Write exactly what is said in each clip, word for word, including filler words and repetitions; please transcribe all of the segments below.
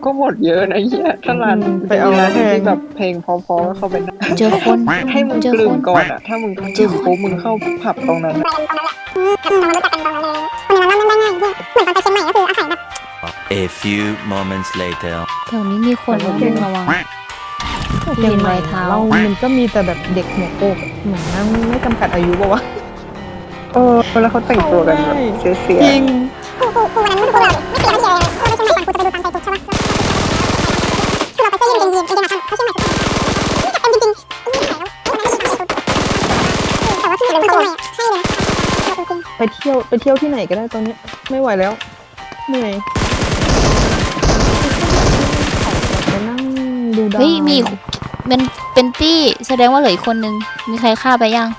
ก็หมดเยอะนะเฮียถ้าร้านไปเอาร้านที่แบบเพลงพอๆก็เข้าไปนะเจอคนให้มึงกลืมก่อนอ่ะถ้ามึงกลืมปุ๊บมึงเข้าผับตรงนั้น A few moments later แถวนี้มีคนแล้วมึงระวังเห็นรอยเท้าเรามันก็มีแต่แบบเด็กหัวโปกเหมือนนั่งไม่จำกัดอายุป่าวะเออแล้วเขาแต่งตัวกันแบบเสียๆจริงไปเที่ยวไปเที่ยวที่ไหนก็ได้ตอนนี้ไม่ไหวแล้วเหนื่อยไปนั่งดูดาวเฮ้ยมีเป็นเป็นตี้แสดงว่าเหลืออีกคนนึงมีใครฆ่าไปยัง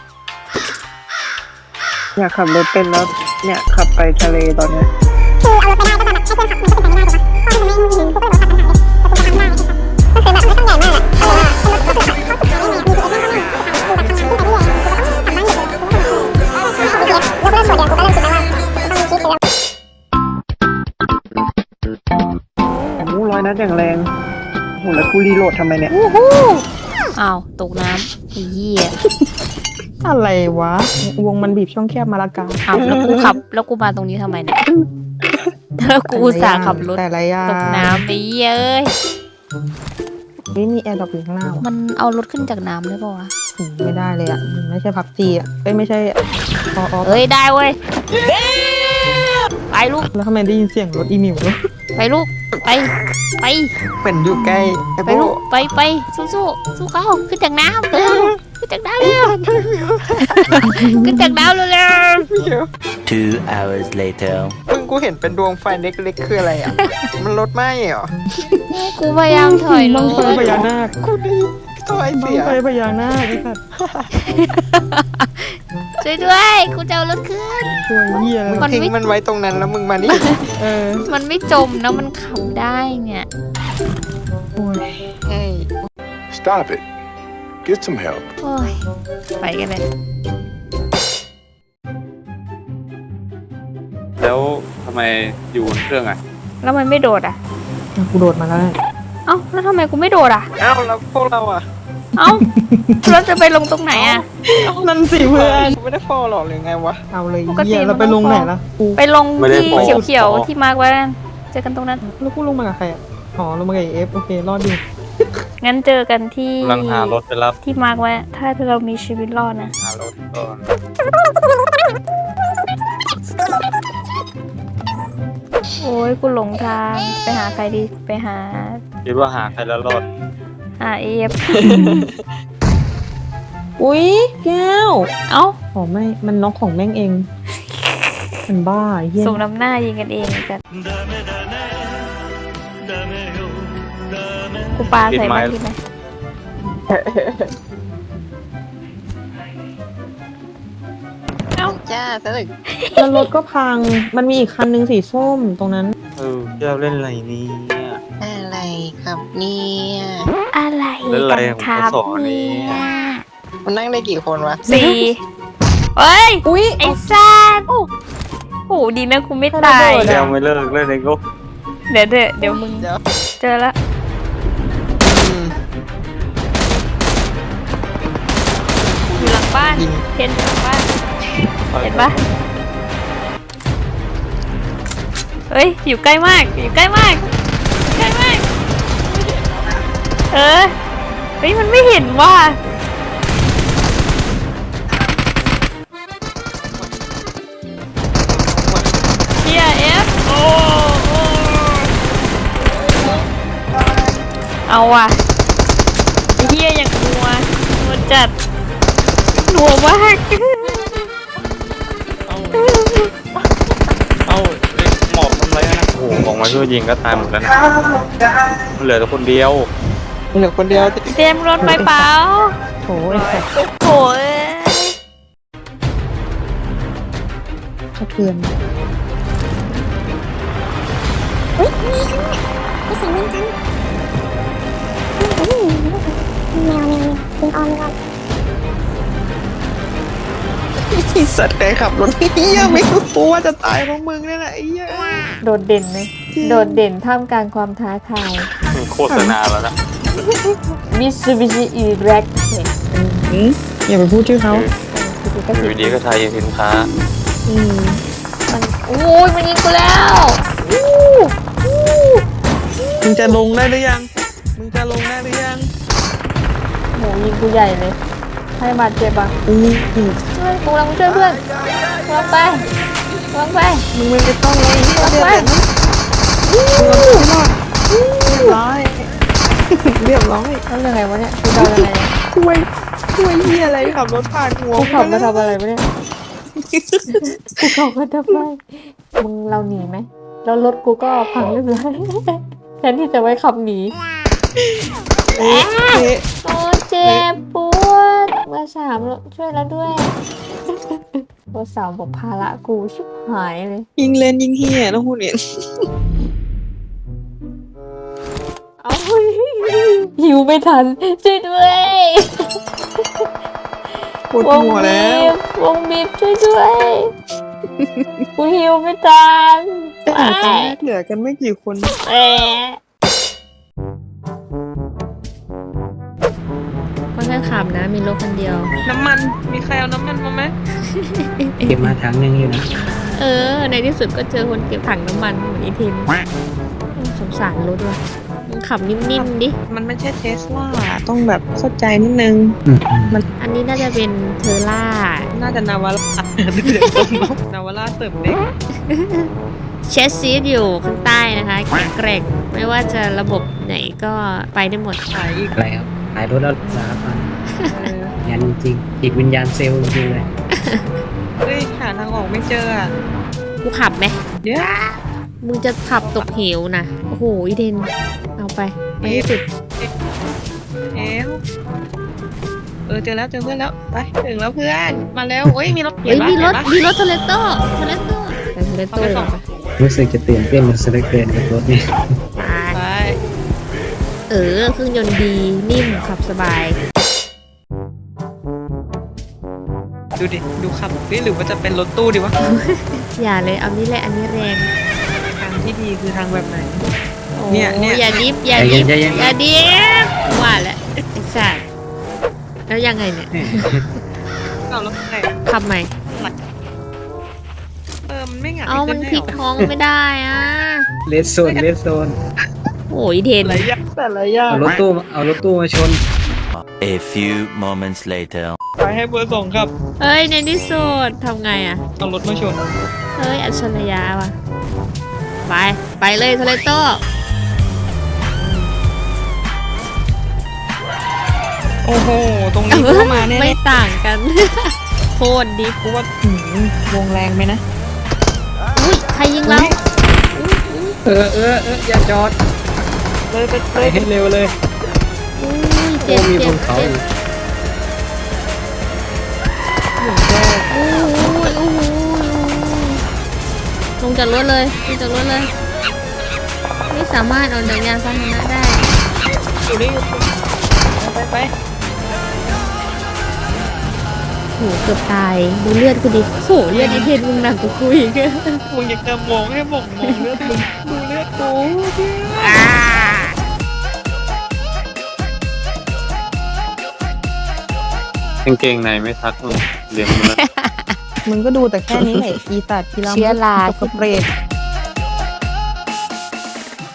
อยากขับรถเป็นแล้วเนี่ยขับไปทะเลตอนเนี้ยคือเอารถไปได้ก็แบบให้เพื่อนขับมันก็เป็นไปไม่ได้ถูกปะเพราะมันไม่มีพวกก็เลยบอกขับทางได้แต่กูจะทำได้ก็คือแบบไม่ต้องใหญ่มากอะเออรถก็คือขับเข้าสุดท้ายได้ไงมีตัวเองก็ได้คือแบบทำขึ้นไปเรื่อยๆกูก็ต้องขับบ้านเด็กเลยกูก็ต้องขับบ้านเด็กเลยกูก็ต้องขับบ้านเด็กเลยยกเลิกส่วนเดียวกูก็เริ่มคิดแล้วต้องมีคิดแล้วโอ้ร้อยนัดอย่างแรงโหแล้วกูรีโหลดทำไมเนี่ยอ้าวตกน้ำไอ้เหี้ยอะไรวะวงมันบีบช่องแคบมาละกาอ้าวแล้วกูขับแล้วกูมาตรงนี้ทำไมเนี่ยแล้วกูอุตส่าห์ขับรถแต่ละอย่างตกน้ำไปเย้ยนี่มีแอร์ดรอปอยู่ข้างหน้าว่ะมันเอารถขึ้นจากน้ำได้ป่าวะอืมไม่ได้เลยอ่ะมันไม่ใช่พับจีอ่ะเอ้ยไม่ใช่พออเอ้ยได้เว้ยไปลูกแล้วทำไมได้ยินเสียงรถอีมิวเนอะไปลูกไปไปเหมือนอยู่ใกล้ไอ้ไปพวลูกกไปไปสู้สู้สู้เขาขึ้นจากน้ำเร็วขึ้นจากน้ำเร็วขึ้นจากน้ำเร็วเร็ว Two hours later มึงกูเห็นเป็นดวงไฟเล็กๆคืออะไรอ่ะ มันรถไหม้เหรอกูพยายามถอยรบังไฟถพญานาคกูดีถอยบัเสีงยไฟพญานาคไอ้สัตว์ช่วยด้วยกูจะเอารถขึ้นช่วยเหี้ยมึงมันทิ้งไม่มันไว้ตรงนั้นแล้วมึงมานี่เออมันไม่จมนะมันขับได้เนี่ยโอ้ยเฮ้ย Stop it. Get some help. โอ้ยไปกันเลยแล้วทำไมอยู่บนเครื่องอ่ะแล้วมันไม่โดดอ่ะกูโดดมาแล้วเนี่ยเอ้าแล้วทำไมกูไม่โดดอ่ะเอ้าแล้วพวกเราอ่ะเอ้าเราจะไปลงตรงไหนอ่ะนั่นสิเพื่อนกูไม่ได้ฟอลหรอกหรือไงวะเอาเลยปกติเหี้ยเราไปลงไหนล่ะกูไปลงไม่ได้ที่โผล่เขียวๆที่มาร์กไว้นั่นเจอกันตรงนั้นแล้วกูลงมากับใครอ่ะอ๋อลงมากับเอฟโอเครอดอยู่งั้นเจอกันที่กำลังหารถไปรับที่มาร์กไว้ถ้าเรามีชีวิตรอดนะหารถก่อนโอ้ยกูหลงทางไปหาใครดีไปหาคิดว่าหาใครแล้วรอดหาเอฟอุ้ยแก้วเอ้าอ๋อไม่มันน็อกของแม่งเองมันบ้าไอ้เหี้ยส่งน้ำหน้ายิงกันเองกันกูปาใส่บ้านที่ไหมจ้าซะเลยแล้วรถก็พังมันมีอีกคันนึงสีส้มตรงนั้นเออแก้วเล่นอะไรเนี่ยอะไรครับเนี่ยอะไรเล่นอะไรกันของครับเขาสอนเนี่เนี่ย ยมันนั่งได้กี่คนวะสี่เฮ้ยอุ้ยไอ้ซ่านโอ้โหดีนะกูไม่ตายระเบิดแก้วไม่เลิกเล่นเองก็เดี๋ยวเดี๋ยวเดี๋ยวมึงเดี๋ยวเจอละอืมอยู่หลังบ้านยิงเทนอยู่หลังบ้านเห็นปะเฮ้ยอยู่ใกล้มากอยู่ใกล้มากใกล้มากเออเฮ้ยมันไม่เห็นว่าเฮียเอฟโอ้โอ้เอาว่ะเฮียอย่างนัวนัวจัดนัวมากเอ้าเอ้ยหมอบทำไรนะโอ้โหออกมาช่วยยิงก็ตายหมดแล้วนะมันเหลือแต่คนเดียวเหลือคนเดียวเตรียมรถไปเปล่าโถไอ้สัตว์โอ้ยสะเทือนอุ้ยมีมีเสียงเหมือนกันแมวแมวแมวยิงออมก่อนไอ้สัตว์ใครขับรถเฮียไม่รู้ว่าจะตายเพราะมึงนี่แหละไอ้เหี้ยโดดเด่นเลยโดดเด่นท่ามกลางความท้าทายโฆษณาแล้วนะ Mitsubishi E-Rack เนี่ยอืมอย่าไปพูดชื่อเขาคือก็อสิยู่ดีก็ทายสินค้าอืมมันโอ้ยมันยิงกูแล้วอู้อู้มึงจะลงได้หรือยังมึงจะลงได้หรือยังโหยิงกูใหญ่เลยให้บาดเจ็บอ่ะอืมเฮ้ยกูกำลังช่วยเพื่อนกำลังไปกำลังไปมึงไม่ต้องเลยกำลังเรียบไปร้อยเรียบร้อยแล้วยังไงวะเนี่ยกูเดายังไงเนี่ยช่วยช่วยเฮียอะไรขับรถผ่านหัวกูขับมาทำอะไรวะเนี่ยกูขับมาทำไมมึงเราหนีไหมแล้วรถกูก็พังเรียบร้อยแทนที่จะไว้ขับหนีเอ๊ะเอ๊ะโอ้เจ็บปวดเบอร์สามช่วยแล้วด้วยเบอร์สามบอกภาระกูชิบหายเลยยิงเลนยิงเฮียต้องพูดเนี่ยเอาหิวไม่ทันช่วยด้วยปวดหัวแล้ววงบีบช่วยด้วยกูหิวไม่ทันแต่ตอนแรกเหลือกันไม่กี่คนแอะค่อนข้างขำนะ มีรถคนเดียวน้ำมันมีใครเอาน้ำมันมาไหมเก็บมาถังหนึ่งอยู่นะเออ ในที่สุดก็เจอคนเก็บถังน้ำมันเหมือนอีทินสงสารรถว่ะมึงขับนิ่มๆดิมันไม่ใช่เทสลาต้องแบบเข้าใจนิดนึงอืมอันนี้น่าจะเป็นเทอร่าน่าจะนาวาร่าเดี๋ยวตรงนาวาร่าเติมเด็กเชสซีดอยู่ข้างใต้นะคะแข็งแกร่งไม่ว่าจะระบบไหนก็ไปได้หมดขายอีกอะไรครับขายรถแล้วสารพันยันจริงจิตวิญญาณเซลล์จริงเลยเฮ้ยหาทางออกไม่เจออ่ะกูขับไหมเดี๋ยวมึงจะขับตกเหวนะโอ้โหอีเดนเอาไปไปให้สุดเอวเออเจอแล้วเจอเพื่อนแล้วไปถึงแล้วเพื่อนมาแล้วโอ้ยมีรถเฮ้ยปะมีรถเห็นปะมีรถเทเลโต้เทเลโต้ไปเทเลโต้เลยปะรู้สึกจะตื่นเต้นมันสเล็กเกินกับรถนี่ไปไปเออเครื่องยนต์ดีนิ่มขับสบายดูดิดูขับดิหรือว่าจะเป็นรถตู้ดีวะอย่าเลยเอานี่แหละอันนี้แรงทางที่ดีคือทางแบบไหนโอ้เนี่ยเนี่ยอย่าดิฟอย่าใจดิเย็นฟใจเย็นอย่าดิฟว่าแล้วไอ้สัตว์แล้วยังไงเนี่ยเอารถไหนขับใหม่เออมันไม่หงายเอามันพลิกท้องไม่ได้อ่ะเลสโซนเลสโซนโอ้ยเทนหลายอย่างแต่ละอย่างเอารถตู้เอารถตู้มาชน A few moments later. ไปให้เบอร์สองครับเอ้ยในที่สุดทำไงอ่ะเอารถมาชนเอ้ยอัจฉริยะว่ะไปไปเลยเทเลโต้โอ้โหตรงนี้เข้ามาแน่ไม่ต่างกัน โคตรดิฟๆกูว่าหืมวงแรงไหมนะอุ้ยใครยิงเราเออเออเอออย่าจอดเลยไปไปเลยให้เร็วเลยอุ้ยโอ้เจ็บมีเจ็บบ นเขาเจ็บอีกโอ้ยโอ้โหลงจากรถเลยลงจากรถเลย ไม่สามารถเอาจักรยานพาหนะได้อยู่ได้อยู่ไปไปโหเกือบตายดูเลือดกูดิโหเลือดไอเทนมึงหนักกว่ากูอีกอะมึงอยากจะมองให้บอกมองเลือดมึงดูเลือดกูอ่ากางเกงในไม่ทักมึงเรียนมึงนะมึงก็ดูแต่แค่นี้แหละอีสัตว์กีฬาเชื้อราสเปรด